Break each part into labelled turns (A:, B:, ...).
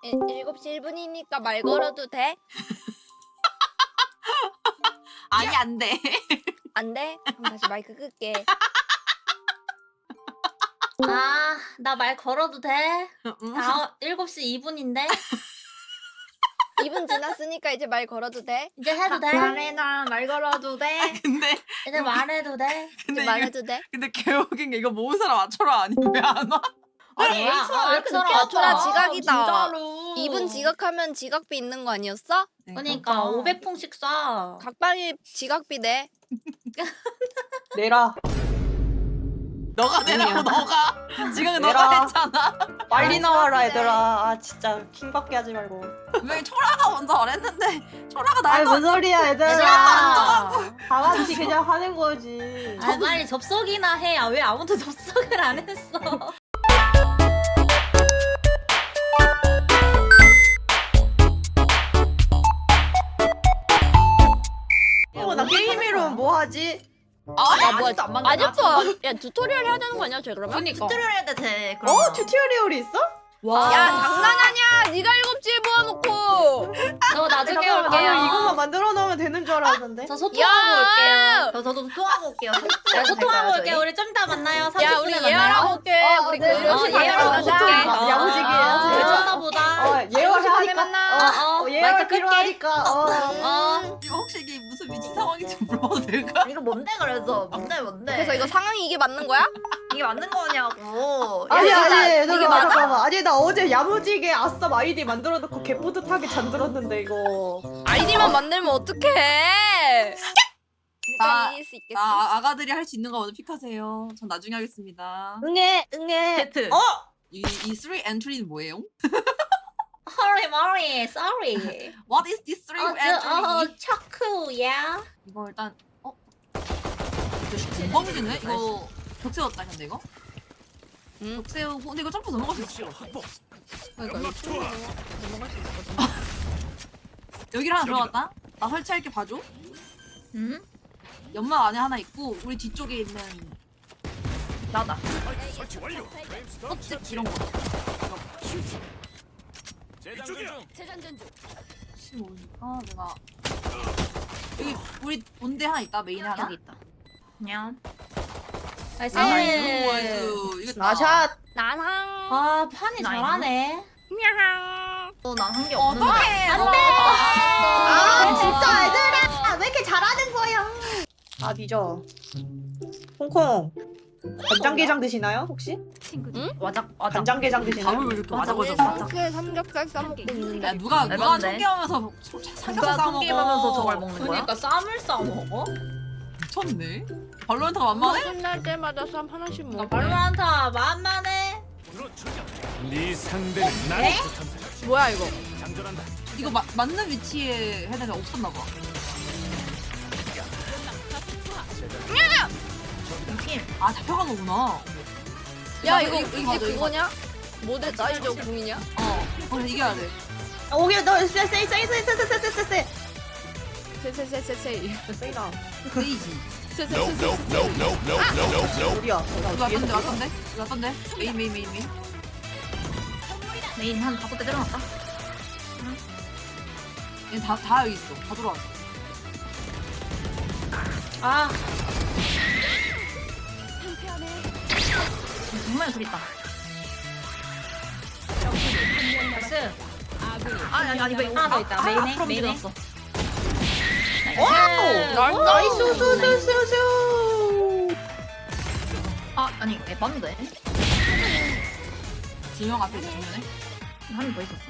A: 7시 1분이니까 말 걸어도 돼?
B: 아니 안 돼.
A: 안 돼? 그럼 다시 마이크 끌게.
C: 아, 나 말 걸어도 돼?
B: 응?
C: 7시 2분인데?
A: 2분 지났으니까 이제 말 걸어도 돼?
C: 이제 해도 돼?
D: 말해나 말 걸어도 돼?
B: 근데
C: 이제 말해도 돼?
A: 이제 말해도 돼?
B: 근데 개웃긴 게 이거 모은 사람 맞춰라 아니 왜 안 와?
D: 아니
C: 뭐야?
D: 에이스가 왜 이렇게
C: 아처럼
D: 늦게
A: 아처럼
D: 왔다
A: 지각이다.
D: 진짜로
A: 2분 지각하면 지각비 있는 거 아니었어?
C: 그러니까 500풍씩 쏴.
A: 각방이 지각비 내.
D: 내라
B: 너가 내라고
D: 아니야.
B: 너가 지금
D: 내라.
B: 너가 했잖아.
D: 빨리 나와라 얘들아. 아 진짜 킹받게 하지 말고.
B: 왜 초라가 먼저 말했는데 초라가
D: 아이
B: 나도
D: 뭔 소리야 얘들아.
C: 얘들아!
D: 다 같이 그냥 하는 거지.
C: 아, 빨리 접속이나 해. 아, 왜 아무도 접속을 안 했어?
D: 나 게임 이름 뭐 하지?
A: 야 뭐야
D: 아직도 안 만들어.
A: 아직도 야 튜토리얼 해야 되는 거 아니야 쟤 그러면?
C: 그니까.
E: 튜토리얼 해야 돼.
D: 튜토리얼이 있어?
A: 야 장난하냐? 네가 7시에 모아놓고.
C: 저 나중에
D: 잠깐만, 나는
C: 올게요.
D: 이것만 만들어 놓으면 되는 줄 알았는데.
C: 저 소통하고 올게요.
E: 저도 소통하고 올게요.
C: 네, 소통하고 올게요. 우리 좀 이따 만나요. 30분에
A: 야 우리
C: 만나요.
A: 예열하고 올게. 우리 그
D: 네.
A: 7시 반에
C: 예열하고
A: 만나자.
C: 올게.
D: 야무지게 해야지.
C: 우리 좀 이따 보자.
D: 예열
A: 반에
D: 하니까.
A: 만나.
D: 예열
C: 마이크 끌게.
D: 필요하니까.
B: 이거 혹시 이게 무슨 미친 상황인지 물어봐도 될까?
E: 이거 뭔데 그래서 뭔데?
A: 그래서 이거 상황이 이게 맞는 거야?
E: 이게 맞는 거냐고.
D: 아니
E: 야,
D: 얘들아
A: 이게 맞아?
D: 잠깐만. 아니 나 어제 야무지게 아싸 아이디 만들어 놓고 개뿌듯하게 잠들었는데 이거.
A: 아이디만 만들면 어떡해?
B: 나-
A: 일단 이길 수 있겠지?
B: 아가들이 할 수 있는 거 먼저 픽하세요. 전 나중에 하겠습니다.
D: 응애.
E: 세트.
B: 이 3 엔트리는 뭐예요?
C: Hurry, Murray. Sorry.
B: What is this 3 entry?
C: 초크야.
B: 이거 일단 공범이네? 이거 벽 세웠다 근데 이거? 벽 세우고 근데 이거 점프 넘어갈 수 있어.
A: 그러니까 이거 충분히 넘어갈 수 있거든.
B: 여기를 하나 들어갔다. 나 설치할게 봐줘.
C: 응?
B: 연막 안에 하나 있고 우리 뒤쪽에 있는
E: 나다.
B: 꽃집 이런 거. 혹시 모르니까 내가 여기 우리 본대 하나 있다 메인에 하나.
E: 여기 있다. 그냥.
C: 나이스.
B: 나이스. 이거
D: 나샷.
A: 나상.
C: 아, 판이 잘하네.
A: 야항.
E: 난 한 게 없는데.
B: 어떡해.
C: 안 돼.
D: 아 진짜 얘들아 왜 이렇게 잘하는 거야? 아 뒤져. 홍콩. 간장게장 드시나요 혹시?
E: 와작.
D: 간장게장 드시나요?
B: 밥을 왜 이렇게
E: 맞아,
B: 맞아
E: 맞아.
A: 삼겹살 삼겹살 싸먹고 있는데.
B: 야 누가
E: 알바인데?
B: 청계하면서 삼겹살
E: 누가
B: 싸먹어.
E: 통게임하면서 저걸 먹는 거야?
C: 그러니까 쌈을 싸 먹어?
B: 미쳤네. 발로란트가 만만해?
A: 끝날 때마다 쌈 하나씩 먹어.
C: 발로란타 만만해.
F: 네 상대는 나를
A: 뭐야 이거?
F: 장전한다.
B: 이거 맞는 위치에 헤드가 없었나 봐.
E: 팀.
B: 아 잡혀간 거구나.
A: 야 이거
B: 이거
A: 이게
B: 맞아, 이거
A: 그거냐? 모델 나이저 궁이냐?
B: 그래서 이겨야 돼.
D: 오케이 너 세세세세세세세세.
A: 세세세세세.
D: 세이다.
B: 레이지.
A: 세세세세.
D: 어디야?
B: 이거 왔던데 왔던데? 이거 왔던데? 메인.
E: 메인 한 5대 때려놨다.
B: 얘다 여기 있어. 다 들어왔어.
C: 아,
E: 정말 둘 있다.
C: 나이스.
E: 아니 왜
C: 하나 더 있다. 메인에.
E: 앞으로
C: 메인에.
E: 밀었어.
D: 와우. 나이스 수수수수수.
E: 아니 에반데.
B: 두명 앞에 있어 정면에.
E: 한 명 더 있었어.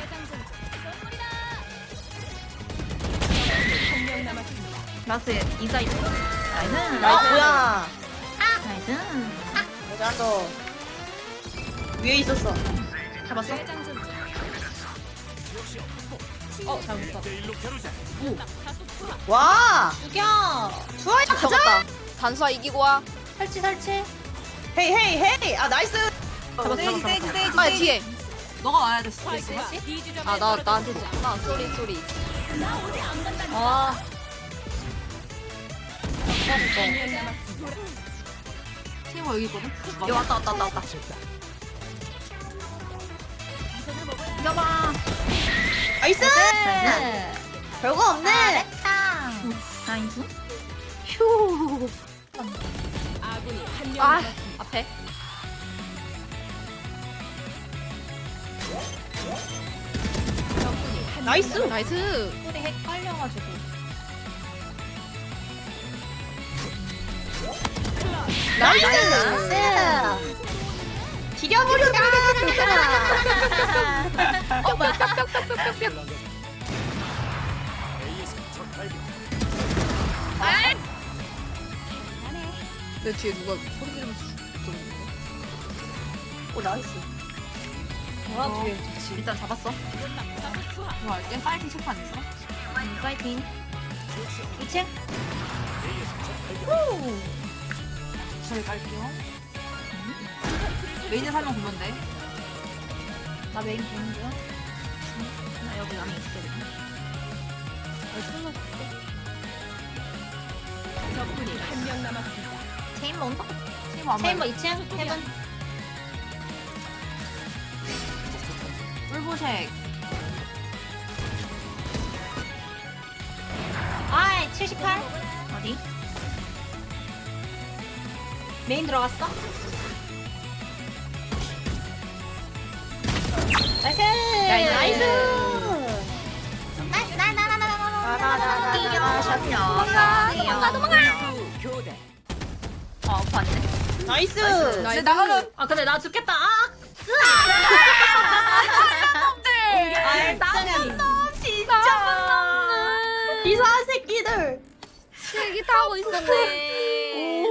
E: 라스트 인사이드. 나이스.
D: 나이스 뭐야?
E: 나이스.
D: 잘한다. 위에 있었어.
E: 잡았어?
C: 잘못 봤.
D: 와.
C: 죽여.
D: 수아야 가자.
A: 잡았다. 단수아 이기고 와.
C: 설치.
D: 헤이 헤이 헤이. 아 나이스.
B: 세이지.
A: 아 뒤에.
B: 너가 와야 됐어.
A: 아 나 나한테 줬구나. 쏘리.
C: 아,
B: 팀워 여기 있거든.
E: 야 왔다. 이겨봐.
D: 나이스. 별거 없네.
E: 잘했다. 나이스.
C: 휴.
A: 아 앞에.
D: 나이스.
A: 나이스.
C: 소리 헷갈려가지고.
D: 나이스. 죽여버려라.
F: A에서 적 발견.
A: 내 뒤에 누가 소리 지르면서 죽었는데.
D: 오 나이스.
C: 뭐라 뒤에 좋지.
B: 일단 잡았어. 좋아, 얘 파이팅 체크 안 했어?
E: 파이팅.
C: 2층.
B: 저희 갈게요. 메인에 살면 보면 돼.
C: 나 메인 보는 중.
E: 나 여기 안에 있을게. 체인버 온다.
B: 체인버 안
C: 체인버
B: 봐요.
C: 2층. 헤븐.
B: 뿔보색.
C: 아이 78.
E: 어디?
C: 메인 들어갔어. 나이스.
E: 나이스.
F: 교대.
E: 아, 오빠 안 돼.
D: 나이스.
B: 근데 나가면
C: 아 근데 나 죽겠다. 아.
B: 나가면
D: 이상한 새끼들.
A: 실기 타고 있었네.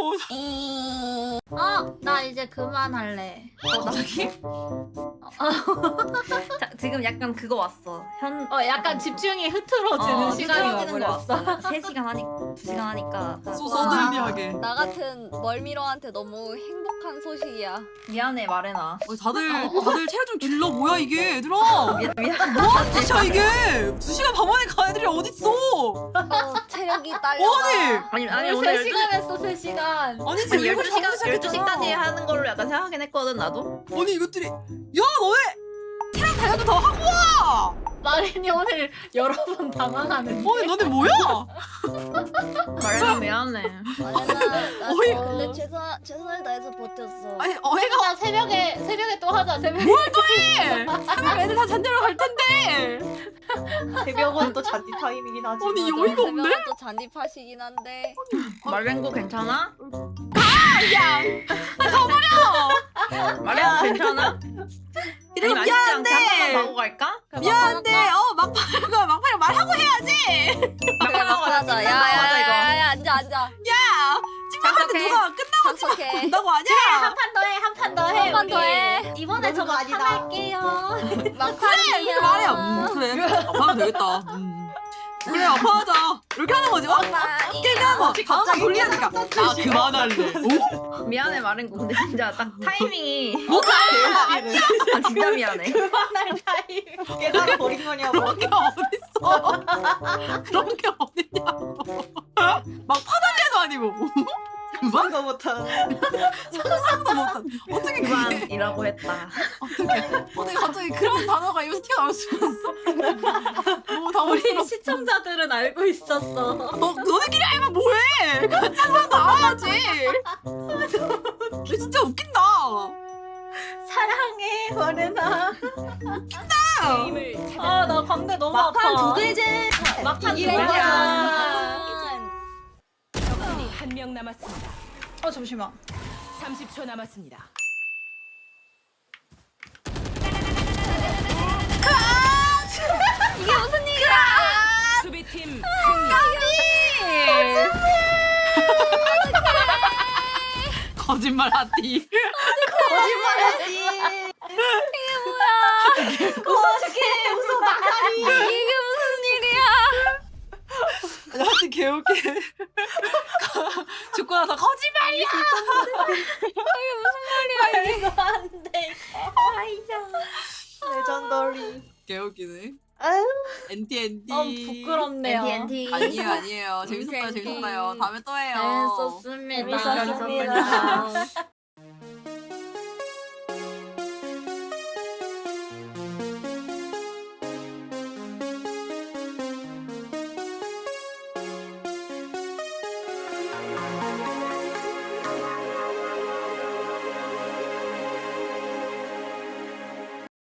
C: 나 이제 그만할래.
E: 나기? 자, 지금 약간 그거 왔어.
C: 약간 집중이 흐트러지는 시간이 와버렸어.
E: 3시간 하니까 2시간 하니까
B: 소소들비하게.
A: 나 같은 멀미러한테 너무 행복한 소식이야.
E: 미안해 말해놔.
B: 다들 체력 좀 길러. 뭐야 이게 얘들아.
E: 미안.
B: 뭐하는 짓이야 이게. 2시간 반 만에 간 애들이 어딨어.
A: 체력이 딸려가.
E: 아니 오늘
C: 3시간 했어 3시간.
B: 아니지
E: 아니
B: 7시 반부터
E: 12시까지
B: 시작했잖아.
E: 하는 걸로 약간 생각하긴 했거든 나도.
B: 아니 이것들이 야 너네 체력 단련도 더 하고 와.
C: 마린이 오늘 여러 번 당황하는.
B: 아니 너네 뭐야?
E: 말해놔 미안해.
A: 나
B: 어이가
A: 근데 최선을 다해서 버텼어.
B: 아니 어해가
C: 나 새벽에 또 하자. 새벽에.
B: 해. 사람 애들 다 잔디로 갈 텐데.
D: 새벽은 또 잔디 타임이긴 하지.
B: 아니
A: 맞아,
B: 여의가 없네.
A: 새벽은 또 잔디파시긴 한데.
E: 말랭고 괜찮아?
B: 야
E: 말랭고 괜찮아?
B: 이러면
E: 아니, 맛있지 않게 한
B: 미안한데.
E: 번만 마고 갈까?
B: 미안한데 막판에 말하고 해야지.
A: 그래 막하자.
E: 이거.
A: 야야야야 앉아.
B: 야 침착한데
E: 착석해.
B: 누가 끝나고
A: 착석해.
B: 간다고 하냐?
C: 한 판 더 해. 한 판 더 해.
A: 한 판 더
C: 우리.
A: 해.
C: 이번에
D: 너무
C: 저거
D: 아니다.
C: 할게요.
A: 막판이야.
B: 이렇게 말해. 그래 아파하면 되겠다. 그래 아파하자. 이렇게 하는 거지. 깨게 하는 거. 다음 돌리니까 나 그만할래. 오?
E: 미안해 말랭고 근데 진짜 딱 타이밍이
B: 뭐가
E: 아, 진짜 미안해.
D: 그만할 타임. 깨달아 버린 거냐고.
B: 그런 게 어딨어. 그런 게 어딨냐고. 막 파달래도 아니고.
D: 그만도 못한.
B: 상상도 못한. 어떻게 그게
E: 그만이라고 했다.
B: 어떻게 갑자기 그런 단어가 입에서 튀어나올 수가 있어? 너무
C: 우리
B: 당황스러워.
C: 시청자들은 알고 있었어.
B: 너네끼리 알면 뭐해? 가짜로 나와야지. 너 진짜 웃긴다.
C: 사랑해 마르나.
B: 웃긴다.
C: 나 광대 너무 아파.
D: 막판 두 개제.
C: 막판
D: 이게
C: 두
D: 뭐야.
C: 개잖아.
G: 적군이 한 명 남았습니다.
C: 잠시만.
G: 30초 남았습니다.
A: 이게 무슨 일이야?
G: 수비팀
B: 거짓말 하디.
D: 거짓말하지.
C: 어떡해. 웃어 막다리.
A: 이게 무슨 일이야?
B: 하여튼 개웃기. 죽고 나서 거짓말이야.
C: 이거 안 돼.
D: 레전더리.
B: 개웃기네.
D: 아유.
B: 엔티.
C: 부끄럽네요.
E: NT.
B: 아니에요. 재밌었어요. 다음에 또 해요.
C: 재밌었습니다.
D: 재밌었습니다.